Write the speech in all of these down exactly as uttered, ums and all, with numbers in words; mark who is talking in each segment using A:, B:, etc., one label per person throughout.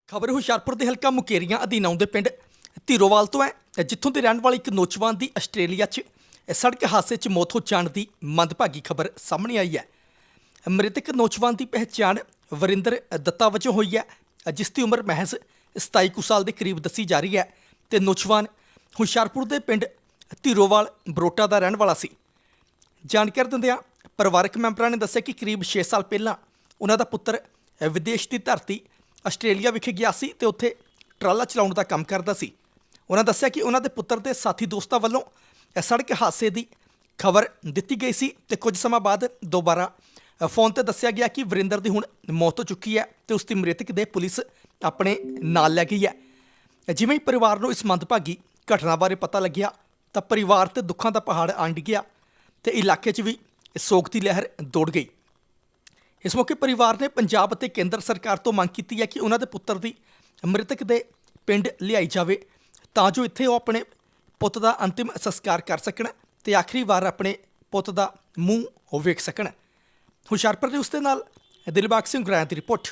A: ਖਬਰ ਹੁਸ਼ਿਆਰਪੁਰ ਦੇ ਹਲਕਾ ਮੁਕੇਰੀਆਂ ਅਧੀਨ ਆਉਂਦੇ ਪਿੰਡ ਧੀਰੋਵਾਲ ਤੋਂ ਹੈ, ਜਿੱਥੋਂ ਦੇ ਰਹਿਣ ਵਾਲੇ ਇੱਕ ਨੌਜਵਾਨ ਦੀ ਆਸਟ੍ਰੇਲੀਆ 'ਚ ਸੜਕ ਹਾਦਸੇ 'ਚ ਮੌਤ ਹੋ ਜਾਣ ਦੀ ਮੰਦਭਾਗੀ ਖਬਰ ਸਾਹਮਣੇ ਆਈ ਹੈ। ਮ੍ਰਿਤਕ ਨੌਜਵਾਨ ਦੀ ਪਹਿਚਾਣ ਵਰਿੰਦਰ ਦੱਤਾ ਵਜੋਂ ਹੋਈ ਹੈ, ਜਿਸ ਦੀ ਉਮਰ ਮਹਿਜ਼ ਸਤਾਈ ਕੁ ਸਾਲ ਦੇ ਕਰੀਬ ਦੱਸੀ ਜਾ ਰਹੀ ਹੈ ਤੇ ਨੌਜਵਾਨ ਹੁਸ਼ਿਆਰਪੁਰ ਦੇ ਪਿੰਡ ਧੀਰੋਵਾਲ ਬਰੋਟਾ ਦਾ ਰਹਿਣ ਵਾਲਾ ਸੀ। ਜਾਣਕਾਰੀ ਦਿੰਦਿਆਂ ਪਰਿਵਾਰਕ ਮੈਂਬਰਾਂ ਨੇ ਦੱਸਿਆ ਕਿ ਕਰੀਬ ਛੇ ਸਾਲ ਪਹਿਲਾਂ ਉਹਨਾਂ ਦਾ ਪੁੱਤਰ ਵਿਦੇਸ਼ ਦੀ ਧਰਤੀ ਆਸਟ੍ਰੇਲੀਆ ਵਿਖੇ ਗਿਆ ਸੀ ਤੇ ਉੱਥੇ ਟਰਾਲਾ ਚਲਾਉਣ ਦਾ ਕੰਮ ਕਰਦਾ ਸੀ। ਉਹਨਾਂ ਦੱਸਿਆ ਕਿ ਉਹਨਾਂ ਦੇ ਪੁੱਤਰ ਦੇ ਸਾਥੀ ਦੋਸਤਾਂ ਵੱਲੋਂ ਸੜਕ ਹਾਦਸੇ ਦੀ ਖਬਰ ਦਿੱਤੀ ਗਈ ਸੀ ਤੇ ਕੁਝ ਸਮਾਂ ਬਾਅਦ ਦੁਬਾਰਾ ਫੋਨ ਤੇ ਦੱਸਿਆ ਗਿਆ ਕਿ ਵਰਿੰਦਰ ਦੀ ਹੁਣ ਮੌਤ ਹੋ ਚੁੱਕੀ ਹੈ ਤੇ ਉਸ ਦੀ ਮ੍ਰਿਤਕ ਦੇ ਪੁਲਿਸ ਆਪਣੇ ਨਾਲ ਲੈ ਗਈ ਹੈ। ਜਿਵੇਂ ਹੀ ਪਰਿਵਾਰ ਨੂੰ ਇਸ ਮੰਦਭਾਗੀ ਘਟਨਾ ਬਾਰੇ ਪਤਾ ਲੱਗਿਆ ਤਾਂ ਪਰਿਵਾਰ ਤੇ ਦੁੱਖਾਂ ਦਾ ਪਹਾੜ ਅੰਡ ਗਿਆ ਤੇ ਇਲਾਕੇ 'ਚ ਵੀ ਸੋਗ ਦੀ ਲਹਿਰ ਦੌੜ ਗਈ। ਇਸ ਮੌਕੇ ਪਰਿਵਾਰ ਨੇ ਪੰਜਾਬ ਅਤੇ ਕੇਂਦਰ ਸਰਕਾਰ ਤੋਂ ਮੰਗ ਕੀਤੀ ਹੈ ਕਿ ਉਹਨਾਂ ਦੇ ਪੁੱਤਰ ਦੀ ਮ੍ਰਿਤਕ ਦੇ ਪਿੰਡ ਲਿਆਈ ਜਾਵੇ ਤਾਂ ਜੋ ਇੱਥੇ ਉਹ ਆਪਣੇ ਪੁੱਤ ਦਾ ਅੰਤਿਮ ਸੰਸਕਾਰ ਕਰ ਸਕਣ ਤੇ ਆਖਰੀ ਵਾਰ ਆਪਣੇ ਪੁੱਤ ਦਾ ਮੂੰਹ ਉਹ ਵੇਖ ਸਕਣ। ਹੁਸ਼ਿਆਰਪੁਰ ਦੇ ਉਸ ਦੇ ਨਾਲ ਦਿਲਬਾਗ ਸਿੰਘ ਗੁਰਾਇਆ ਦੀ ਰਿਪੋਰਟ।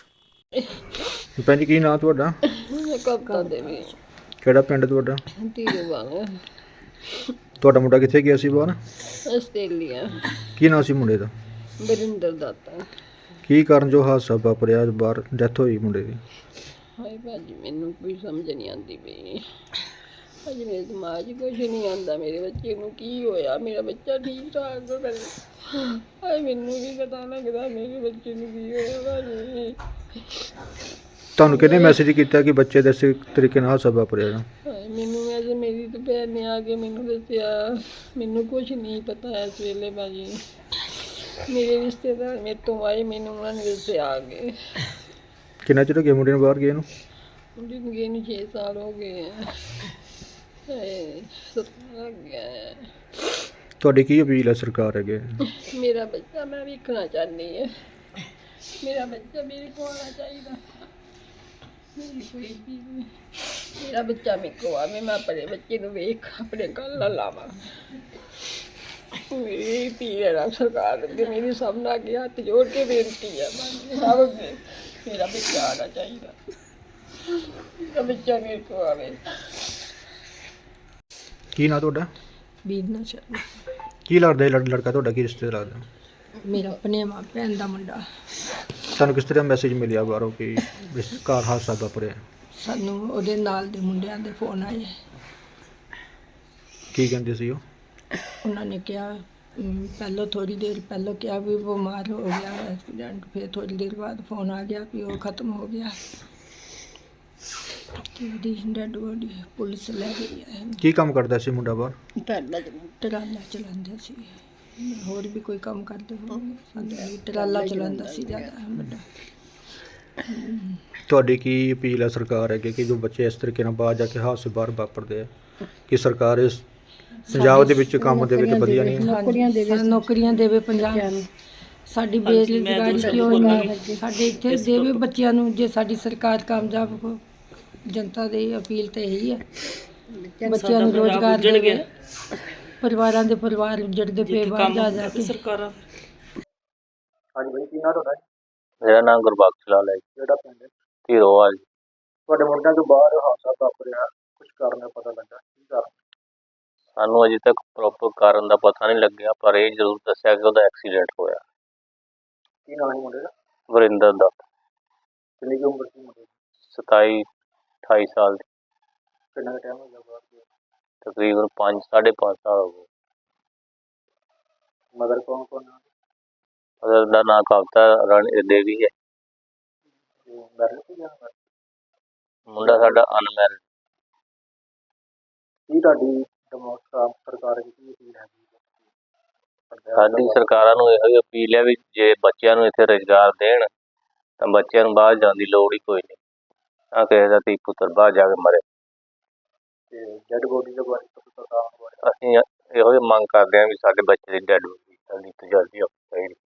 B: ਭੈਣ ਜੀ ਕੀ ਨਾਂ ਤੁਹਾਡਾ?
C: ਕਵਿਤਾ ਦੇਵੀ।
B: ਕਿਹੜਾ ਪਿੰਡ ਤੁਹਾਡਾ?
C: ਧੀਰੋਵਾਲ।
B: ਤੁਹਾਡਾ ਮੁੰਡਾ ਕਿੱਥੇ ਗਿਆ ਸੀ ਬਾਹਰ?
C: ਆਸਟ੍ਰੇਲੀਆ।
B: ਕੀ ਨਾਂ ਸੀ ਮੁੰਡੇ ਦਾ?
C: ਵਰਿੰਦਰ ਦੱਤਾ।
B: ਕੀ ਕਾਰਨ ਜੋ ਹਾਦਸਾ ਵਾਪਰਿਆ ਬਾਹਰ ਡੈਥ ਹੋਈ ਮੁੰਡੇ ਦੀ?
C: ਹਾਏ ਭਾਜੀ ਮੈਨੂੰ ਕੋਈ ਸਮਝ ਨਹੀਂ ਆਉਂਦੀ ਪਈ। ਭਾਜੀ ਮੇਰੇ ਦਿਮਾਗ 'ਚ ਕੁਛ ਨਹੀਂ ਆਉਂਦਾ। ਮੇਰੇ ਬੱਚੇ ਨੂੰ ਕੀ ਹੋਇਆ? ਮੇਰਾ ਬੱਚਾ ਠੀਕ ਠਾਕ ਹੋ ਕਰੇ। ਹਾਏ ਮੈਨੂੰ ਵੀ ਪਤਾ ਲੱਗਦਾ ਮੇਰੇ ਬੱਚੇ ਨੂੰ ਕੀ ਹੋਇਆ ਭਾਜੀ।
B: ਤੁਹਾਨੂੰ ਕਿਹਨੇ ਮੈਸੇਜ ਕੀਤਾ ਕਿ ਬੱਚੇ ਦੇ ਇਸ ਤਰੀਕੇ ਨਾਲ ਹਾਦਸਾ ਵਾਪਰਿਆ?
C: ਹਾਏ ਮੈਨੂੰ ਅੱਜ ਮੇਰੀ ਤਾਂ ਭੈਣ ਨੇ ਆ ਕੇ ਮੈਨੂੰ ਦੱਸਿਆ। ਮੈਨੂੰ ਕੁਛ ਨਹੀਂ ਪਤਾ ਇਸ ਵੇਲੇ ਭਾਜੀ। ਮੇਰੇ ਰਿਸ਼ਤੇਦਾਰ ਮੇਰੇ ਤੋਂ ਆਏ, ਮੈਨੂੰ ਉਹਨਾਂ ਨੇ ਦੱਸਿਆ ਆ ਕੇ।
B: ਕਿੰਨਾ ਚਿਰ ਹੋ ਗਿਆ ਮੁੰਡੇ ਨੂੰ ਬਾਹਰ ਗਏ ਨੂੰ?
C: ਮੁੰਡੇ ਨੂੰ ਗਏ ਨੂੰ ਛੇ ਸਾਲ ਹੋ ਗਏ ਆ। ਹਾਏ ਸੁਪਨਾ ਲੱਗ ਗਿਆ ਹੈ।
B: ਤੁਹਾਡੀ ਕੀ ਅਪੀਲ ਹੈ ਸਰਕਾਰ ਅੱਗੇ?
C: ਮੇਰਾ ਬੱਚਾ ਮੈਂ ਵੇਖਣਾ ਚਾਹੁੰਦੀ ਹਾਂ। ਮੇਰਾ ਬੱਚਾ ਮੇਰੇ ਕੋਲ ਆਉਣਾ ਚਾਹੀਦਾ। ਮੇਰੀ ਕੋਈ ਵੀ ਨਹੀਂ। ਮੇਰਾ ਬੱਚਾ ਮੇਰੇ ਕੋਲ ਆਵੇ, ਮੈਂ ਆਪਣੇ ਬੱਚੇ ਨੂੰ ਵੇਖ ਆਪਣੇ ਗੱਲ ਨਾਲ ਲਾਵਾਂ। ਮੇਰੀ ਧੀ ਹੈ ਸਰਕਾਰ ਅੱਗੇ, ਮੇਰੀ ਸਭ ਨਾਲ ਅੱਗੇ ਹੱਥ ਜੋੜ ਕੇ ਬੇਨਤੀ ਹੈ ਸਭ ਅੱਗੇ, ਮੇਰਾ ਬੱਚਾ ਆਉਣਾ ਚਾਹੀਦਾ। ਮੇਰਾ ਬੱਚਾ ਮੇਰੇ ਕੋਲ ਆਵੇ।
B: ਕੀ ਨਾਂ ਤੁਹਾਡਾ?
C: ਬੀਨਾ ਸ਼ਰਮਾ।
B: ਕੀ ਲੱਗਦਾ ਇਹ ਲੜ- ਲੜਕਾ ਤੁਹਾਡਾ ਕੀ ਰਿਸ਼ਤੇ ਲੱਗਦਾ?
C: ਮੇਰਾ ਆਪਣੇ ਮਾਂ ਭੈਣ ਦਾ ਮੁੰਡਾ।
B: ਤੁਹਾਨੂੰ ਕਿਸ ਤਰ੍ਹਾਂ ਮੈਸੇਜ ਮਿਲਿਆ ਬਾਹਰੋਂ ਕਿ ਇਸ ਘਰ ਹਾਦਸਾ ਵਾਪਰਿਆ?
C: ਸਾਨੂੰ ਉਹਦੇ ਨਾਲ ਦੇ ਮੁੰਡਿਆਂ ਦੇ ਫੋਨ ਆਏ।
B: ਕੀ ਕਹਿੰਦੇ ਸੀ ਉਹ?
C: ਉਹਨਾਂ ਨੇ ਕਿਹਾ ਅਮ, ਪਹਿਲਾਂ ਥੋੜ੍ਹੀ ਦੇਰ ਪਹਿਲਾਂ ਕਿਹਾ ਵੀ ਬਿਮਾਰ ਹੋ ਗਿਆ ਐਕਸੀਡੈਂਟ, ਫਿਰ ਥੋੜ੍ਹੀ ਦੇਰ ਬਾਅਦ ਫੋਨ ਆ ਗਿਆ ਵੀ ਉਹ ਖਤਮ ਹੋ ਗਿਆ ਤੇ ਉਹਦੀ ਡੈਡ ਬੋਡੀ ਪੁਲਿਸ ਲੈ ਗਈ ਹੈ।
B: ਕੀ ਕੰਮ ਕਰਦਾ ਸੀ ਮੁੰਡਾ ਬਾਹਰ?
C: ਟਰਾਲਾ ਟਰਾਲਾ ਚਲਾਉਂਦਾ ਸੀ। ਹੋਰ ਵੀ ਕੋਈ ਕੰਮ ਕਰਦੇ ਹੋਣਗੇ, ਸਾਨੂੰ ਟਰਾਲਾ ਚਲਾਉਂਦਾ ਸੀ ਜ਼ਿਆਦਾ ਵੱਡਾ।
B: ਤੁਹਾਡੀ ਕੀ ਅਪੀਲ ਹੈ ਸਰਕਾਰ ਅੱਗੇ ਕਿ ਜੋ ਬੱਚੇ ਇਸ ਤਰੀਕੇ ਨਾਲ ਬਾਹਰ ਜਾ ਕੇ ਹਾਦਸੇ ਬਾਹਰ ਵਾਪਰਦੇ ਆ ਕਿ ਸਰਕਾਰ ਇਸ ਪੰਜਾਬ ਦੇ ਵਿੱਚ ਕੰਮ ਦੇ ਵਿੱਚ ਵਧੀਆ ਨਹੀਂ ਹੈ?
C: ਨੌਕਰੀਆਂ ਦੇਵੇ, ਨੌਕਰੀਆਂ ਦੇਵੇ ਪੰਜਾਬ ਨੂੰ। ਸਾਡੀ ਬੇਰੁਜ਼ਗਾਰੀ ਕਿਉਂ ਨਹੀਂ? ਸਾਡੇ ਇੱਥੇ ਦੇਵੇ ਬੱਚਿਆਂ ਨੂੰ। ਜੇ ਸਾਡੀ ਸਰਕਾਰ ਕਾਮਯਾਬ ਹੋ, ਜਨਤਾ ਦੀ ਅਪੀਲ ਤਾਂ ਇਹੀ ਹੈ ਬੱਚਿਆਂ ਨੂੰ ਰੋਜ਼ਗਾਰ ਦੇਵੇ। ਪਰਿਵਾਰਾਂ ਦੇ ਪਰਿਵਾਰ ਉੱਜੜਦੇ ਪਏ ਬਾਹਰ ਜਾ ਜਾ ਕੇ। ਸਰਕਾਰਾਂ।
B: ਹਾਂਜੀ ਭਾਈ ਕੀ ਨਾਂ ਤੁਹਾਡਾ?
D: ਮੇਰਾ ਨਾਮ ਗੁਰਬਖਸ਼ ਲਾਲ ਹੈ ਜੀ।
B: ਕਿਹੜਾ ਪਿੰਡ ਹੈ?
D: ਧੀਰੋਵਾਲ।
B: ਤੁਹਾਡੇ ਮੁੰਡਿਆਂ ਤੋਂ ਬਾਹਰ ਹਾਦਸਾ ਵਾਪਰਿਆ, ਕੁਝ ਕਾਰਨ ਪਤਾ ਲੱਗਾ? ਕੀ ਕਾਰਨ?
D: ਸਾਨੂੰ ਅਜੇ ਤੱਕ ਪ੍ਰੋਪਰ ਕਾਰਨ ਦਾ ਪਤਾ ਨਹੀਂ ਲੱਗਿਆ, ਪਰ ਇਹ ਜ਼ਰੂਰ ਦੱਸਿਆ ਕਿ ਉਹਦਾ ਐਕਸੀਡੈਂਟ ਹੋਇਆ।
B: ਕੀ ਨਾਂ ਹੈ ਮੁੰਡੇ ਦਾ?
D: ਵਰਿੰਦਰ ਦਾ।
B: ਕਿੰਨੀ ਕੁ ਉਮਰ ਸੀ ਮੁੰਡੇ ਦੀ?
D: ਸਤਾਈ ਅਠਾਈ ਸਾਲ ਦੀ।
B: ਕਿੰਨਾ ਟਾਈਮ ਹੋ ਗਿਆ ਬਾਹਰ ਗਿਆ?
D: ਤਕਰੀਬਨ ਪੰਜ ਸਾਢੇ ਪੰਜ ਸਾਲ ਹੋ ਗਏ।
B: ਮਦਰ ਕੌਣ ਕੌਣ ਹੈ?
D: ਉਹਦਾ ਦਾ ਨਾਂ ਕਵਿਤਾ ਰਾਣੀ ਦੇਵੀ ਹੈ।
B: ਮੈਰਿਜ ਸੀ ਜਾਂ unmarried?
D: ਮੁੰਡਾ ਸਾਡਾ ਅਨਮੈਰਿਡ।
B: ਕੀ ਤੁਹਾਡੀ ਦਿਮਾਗ ਖਰਾਬ ਸਰਕਾਰ ਦੀ ਕੀ ਅਪੀਲ ਹੈਗੀ?
D: ਸਾਡੀ ਸਰਕਾਰਾਂ ਨੂੰ ਇਹੋ ਹੀ ਅਪੀਲ ਹੈ ਵੀ ਜੇ ਬੱਚਿਆਂ ਨੂੰ ਇੱਥੇ ਰੁਜ਼ਗਾਰ ਦੇਣ ਤਾਂ ਬੱਚਿਆਂ ਨੂੰ ਬਾਹਰ ਜਾਣ ਦੀ ਲੋੜ ਹੀ ਕੋਈ ਨਹੀਂ, ਤਾਂ ਕਿਸੇ ਦਾ ਧੀ ਪੁੱਤਰ ਬਾਹਰ ਜਾ ਕੇ ਮਰੇ।
B: ਤੇ ਡੈਡ ਬੋਡੀ ਦੇ ਬਾਰੇ ਪਤਾ ਬਾਰੇ
D: ਅਸੀਂ ਇਹੋ ਹੀ ਮੰਗ ਕਰਦੇ ਹਾਂ ਵੀ ਸਾਡੇ ਬੱਚੇ ਦੀ ਡੈਡ ਬੋਡੀ ਸਾਡੀ ਤਜਰਬੀ ਹੋਣੀ ਚਾਹੀਦੀ।